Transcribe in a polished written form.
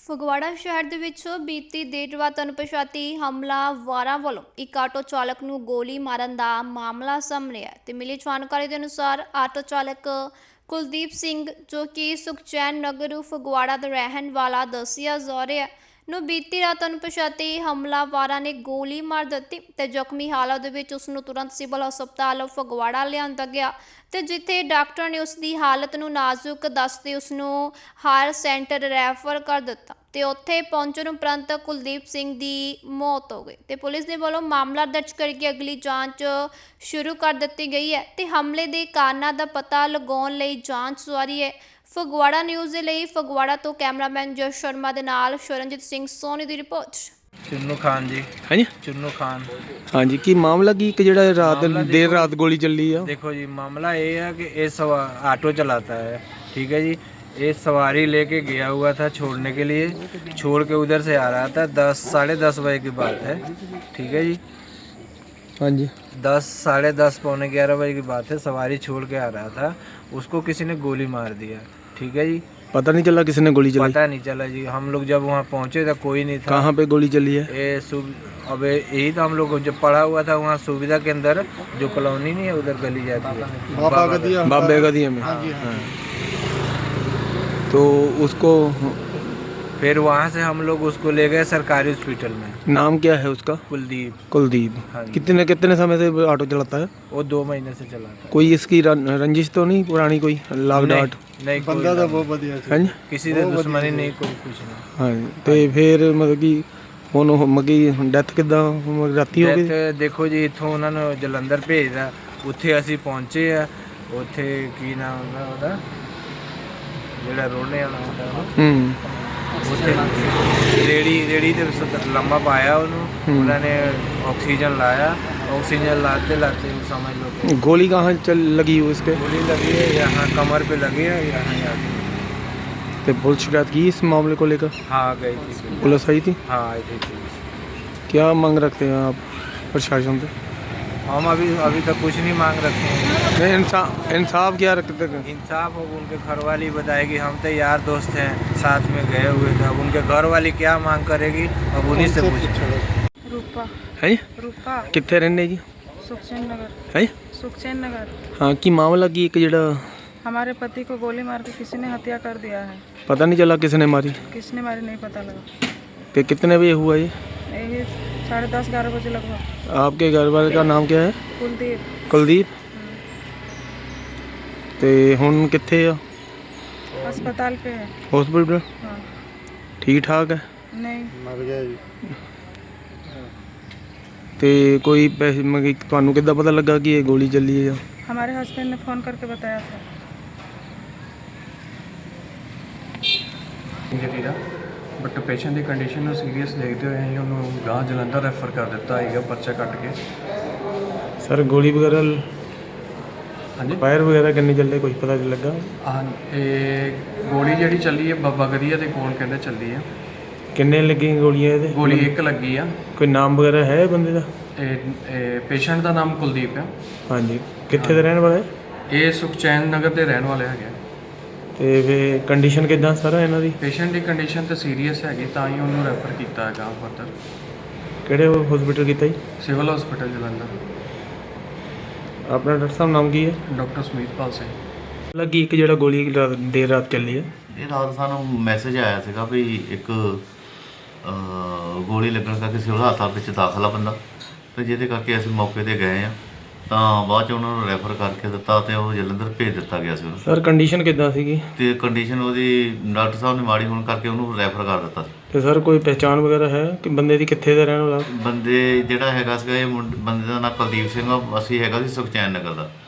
ਫਗਵਾੜਾ ਸ਼ਹਿਰ ਦੇ ਵਿੱਚ ਬੀਤੀ ਦੇਰ ਰਾਤ ਅਣਪਛਾਤੀ ਹਮਲਾਵਰਾਂ ਵੱਲੋਂ ਇੱਕ ਆਟੋ ਚਾਲਕ ਨੂੰ ਗੋਲੀ ਮਾਰਨ ਦਾ ਮਾਮਲਾ ਸਾਹਮਣੇ ਆਇਆ ਤੇ ਮਿਲੀ ਜਾਣਕਾਰੀ ਦੇ ਅਨੁਸਾਰ ਆਟੋ ਚਾਲਕ ਕੁਲਦੀਪ ਸਿੰਘ ਜੋ ਕਿ ਸੁਖਚੈਨ ਨਗਰ ਫਗਵਾੜਾ ਦਾ ਰਹਿਣ ਵਾਲਾ ਦੱਸਿਆ ਜਾ ਰਿਹਾ ਨੂੰ ਬੀਤੀ ਰਾਤ ਅਣਪਛਾਤੇ ਹਮਲਾਵਰਾਂ ਨੇ ਗੋਲੀ ਮਾਰ ਦਿੱਤੀ ਤੇ ਜ਼ਖਮੀ ਹਾਲਤ ਦੇ ਵਿੱਚ ਉਸ ਨੂੰ ਤੁਰੰਤ ਸਿਵਲ ਹਸਪਤਾਲ ਫਗਵਾੜਾ ਲਿਆਂਦਾ ਗਿਆ ਤੇ ਜਿੱਥੇ ਡਾਕਟਰ ਨੇ ਉਸ ਦੀ ਹਾਲਤ ਨੂੰ ਨਾਜ਼ੁਕ ਦੱਸਦੇ ਉਸ ਨੂੰ ਹਾਇਰ ਸੈਂਟਰ ਰੈਫਰ ਕਰ ਦਿੱਤਾ ਤੇ ਉੱਥੇ ਪਹੁੰਚਣ ਉਪਰੰਤ ਕੁਲਦੀਪ ਸਿੰਘ ਦੀ ਮੌਤ ਹੋ ਗਈ ਤੇ ਪੁਲਿਸ ਦੇ ਵੱਲੋਂ ਮਾਮਲਾ ਦਰਜ ਕਰਕੇ ਅਗਲੀ ਜਾਂਚ ਸ਼ੁਰੂ ਕਰ ਦਿੱਤੀ ਗਈ ਹੈ ਤੇ ਹਮਲੇ ਦੇ ਕਾਰਨਾਂ ਦਾ ਪਤਾ ਲਗਾਉਣ ਲਈ ਜਾਂਚ ਜਾਰੀ ਹੈ। ਫਗਵਾੜਾ ਨਿਊਜ਼ ਦੇ ਲਈ ਫਗਵਾੜਾ ਤੋਂ ਕੈਮਰਾਮੈਨ ਜਸ ਸ਼ਰਮਾ ਦੇ ਨਾਲ ਸ਼ਰਨਜੀਤ ਸਿੰਘ ਸੋਨੀ ਦੀ ਰਿਪੋਰਟ। चुन्नू खान जी। हाँ जी चुन्नू खान। हाँ जी की मामला की ਜਿਹੜਾ ਰਾਤ देर रात गोली चली है। देखो जी मामला ये है कि ये ऑटो चलाता है, ठीक है जी। ये सवारी लेके गया हुआ था छोड़ने के लिए, छोड़ के उधर से आ रहा था 10 साढ़े 10 बजे की बात है, ठीक है जी। हाँ जी 10 साढ़े 10 पौने 11 बजे की बात है। सवारी छोड़ के आ रहा था, उसको किसी ने गोली मार दिया, ठीक है जी। पता नहीं चला किसने गोली चलाई? पता नहीं चला जी। हम लोग जब वहाँ पहुँचे तो कोई नहीं था। कहाँ पे गोली चली है? अब यही तो हम लोग जब पड़ा हुआ था वहाँ सुविधा के अंदर जो कॉलोनी नहीं है उधर गली जाती है बाबे गदिया में। हाँ। तो उसको फिर वहाँ से हम लोग उसको ले गए सरकारी हॉस्पिटल में। नाम क्या है उसका? कुलदीप। कुलदीप। हाँ जी। कितने समय से ऑटो चलाता है? वो 2 महीने से चला था। कोई इसकी रंजिश तो नहीं पुरानी, कोई लाग डाट? नहीं बंदा तो बहुत बढ़िया हाँ जी। किसी से दुश्मनी नहीं, कोई कुछ नहीं। हाँ तो फिर मतलब कि ਹੁਣ ਮਗੀ ਡੈਥ ਕਿੱਦਾਂ ਰਾਤੀ ਹੋ ਗਈ? ਦੇਖੋ ਜੀ ਇੱਥੋਂ ਉਹਨਾਂ ਨੂੰ ਜਲੰਧਰ ਭੇਜਦਾ, ਉੱਥੇ ਅਸੀਂ ਪਹੁੰਚੇ ਆ। ਉੱਥੇ ਕੀ ਨਾਮ ਹੁੰਦਾ ਉਹਦਾ ਜਿਹੜਾ ਰੋਣੇ ਵਾਲਾ ਹੁੰਦਾ ਉੱਥੇ ਰੇੜੀ ਦੇ ਵਿੱਚ ਲੰਮਾ ਪਾਇਆ ਉਹਨੂੰ, ਉਹਨਾਂ ਨੇ ਆਕਸੀਜਨ ਲਾਇਆ। ऑक्सीजन लाते लाते समझ लो गोली कहाँ चल लगी हो इसके? गोली लगी है यहाँ कमर पे लगी है, यहाँ तो पुलिस शिकायत की इस मामले को लेकर? हाँ गई थी पुलिस आई थी? हाँ आई थी। क्या मांग रखते हैं आप प्रशासन से? हम अभी तक कुछ नहीं मांग रखे हैं। नहीं इंसाफ क्या रखते हैं? इंसाफ अब उनके घर वाली बताएगी। हम तो यार दोस्त हैं, साथ में गए हुए थे। अब उनके घर वाली क्या मांग करेगी अब उन्हीं से पूछो। रूपा है रूपा कितने रहने जी? सुखचैन नगर। है सुखचैन नगर। हाँ की मामला की एक जड़ा हमारे पति को गोली मार के किसी ने हत्या कर दिया है। पता नहीं चला किसने मारी? किसने मारी नहीं पता लगा। कि कितने बजे हुआ ये? यही 10:30 11 बजे लगभग। आपके घर वाले का नाम क्या है? कुलदीप। कुलदीप। ते हुन कित्थे आ? अस्पताल पे है। हॉस्पिटल? हाँ। ठीक ठाक है? नहीं मर गया जी। ਤੇ ਕੋਈ ਪੈਸੇ ਮੰਗੇ? ਤੁਹਾਨੂੰ ਕਿੱਦਾਂ ਪਤਾ ਲੱਗਾ ਕਿ ਇਹ ਗੋਲੀ ਚੱਲੀ ਹੈ? हमारे हस्बैंड ने फ़ोन करके बताया था। ਜਦੀਦਾ ਬਟ ਪੇਸ਼ੈਂਟ ਦੀ ਕੰਡੀਸ਼ਨ ਨੂੰ ਸੀਰੀਅਸ ਦੇਖਦੇ ਹੋਏ ਅਸੀਂ ਉਹਨੂੰ ਗਾਂ ਜਲੰਧਰ ਰੈਫਰ ਕਰ ਦਿੱਤਾ ਹੈਗਾ ਪਰਚਾ ਕੱਟ ਕੇ। ਸਰ ਗੋਲੀ ਵਗੈਰਾ ਹਾਂਜੀ ਫਾਇਰ ਵਗੈਰਾ ਕਿੰਨੀ ਚੱਲੇ ਕੁਝ ਪਤਾ ਨਹੀਂ ਲੱਗਾ? ਹਾਂ ਇਹ ਗੋਲੀ ਜਿਹੜੀ ਚੱਲੀ ਹੈ ਬਾਬਾ ਗਦੀਆ ਦੇ ਕੋਲ ਕਹਿੰਦੇ ਚੱਲੀ ਹੈ। ਕਿੰਨੇ ਲੱਗੀਆਂ ਗੋਲੀਆਂ ਇਹਦੇ? ਗੋਲੀ ਇੱਕ ਲੱਗੀ ਆ। ਕੋਈ ਨਾਮ ਵਗੈਰਾ ਹੈ ਬੰਦੇ ਦਾ? ਇਹ ਪੇਸ਼ੈਂਟ ਦਾ ਨਾਮ ਕੁਲਦੀਪ ਹੈ। ਹਾਂਜੀ ਕਿੱਥੇ ਦੇ ਰਹਿਣ ਵਾਲਾ ਹੈ? ਇਹ ਸੁਖਚੈਨ ਨਗਰ ਦੇ ਰਹਿਣ ਵਾਲੇ ਹੈਗੇ। ਤੇ ਫਿਰ ਕੰਡੀਸ਼ਨ ਕਿੱਦਾਂ ਸਰ ਇਹਨਾਂ ਦੀ? ਪੇਸ਼ੈਂਟ ਦੀ ਕੰਡੀਸ਼ਨ ਤਾਂ ਸੀਰੀਅਸ ਹੈਗੀ ਤਾਂ ਹੀ ਉਹਨੂੰ ਰੈਫਰ ਕੀਤਾ ਹੈਗਾ ਫਰਦਰ। ਕਿਹੜੇ ਹਸਪੀਟਲ ਕੀਤਾ ਜੀ? Civil hospital Jalandhar. ਆਪਣਾ ਡਾਕਟਰ ਸਾਹਿਬ ਨਾਮ ਕੀ ਹੈ? ਡਾਕਟਰ ਸੁਮੀਤਪਾਲ ਸਿੰਘ। ਲੱਗੀ ਇੱਕ ਜਿਹੜਾ ਗੋਲੀ ਦੇਰ ਰਾਤ ਚੱਲੀ ਹੈ? ਇਹ ਰਾਤ ਸਾਨੂੰ ਮੈਸੇਜ ਆਇਆ ਸੀਗਾ ਵੀ ਇੱਕ ਗੋਲੀ ਲੱਗਣ ਕਰਕੇ ਸਿਵਲ ਹਸਪਤਾਲ ਵਿੱਚ ਦਾਖਲ ਆ ਬੰਦਾ, ਤੇ ਜਿਹਦੇ ਕਰਕੇ ਅਸੀਂ ਮੌਕੇ 'ਤੇ ਗਏ ਆ ਤਾਂ ਬਾਅਦ 'ਚ ਉਹਨਾਂ ਨੂੰ ਰੈਫਰ ਕਰਕੇ ਦਿੱਤਾ ਤੇ ਉਹ ਜਲੰਧਰ ਭੇਜ ਦਿੱਤਾ ਗਿਆ ਸੀ ਉਹਨੂੰ। ਸਰ ਕੰਡੀਸ਼ਨ ਕਿੱਦਾਂ ਸੀਗੀ? ਤੇ ਕੰਡੀਸ਼ਨ ਉਹਦੀ ਡਾਕਟਰ ਸਾਹਿਬ ਨੇ ਮਾੜੀ ਹੋਣ ਕਰਕੇ ਉਹਨੂੰ ਰੈਫਰ ਕਰ ਦਿੱਤਾ ਸੀ। ਤੇ ਸਰ ਕੋਈ ਪਹਿਚਾਣ ਵਗੈਰਾ ਹੈ ਕਿ ਬੰਦੇ ਦੀ ਕਿੱਥੇ ਦਾ ਰਹਿਣ ਵਾਲਾ? ਬੰਦੇ ਜਿਹੜਾ ਹੈਗਾ ਸੀਗਾ ਇਹ ਬੰਦੇ ਦਾ ਨਾਂ ਕੁਲਦੀਪ ਸਿੰਘ ਆ, ਅਸੀਂ ਹੈਗਾ ਸੀ ਸੁਖਚੈਨ ਨਗਰ ਦਾ।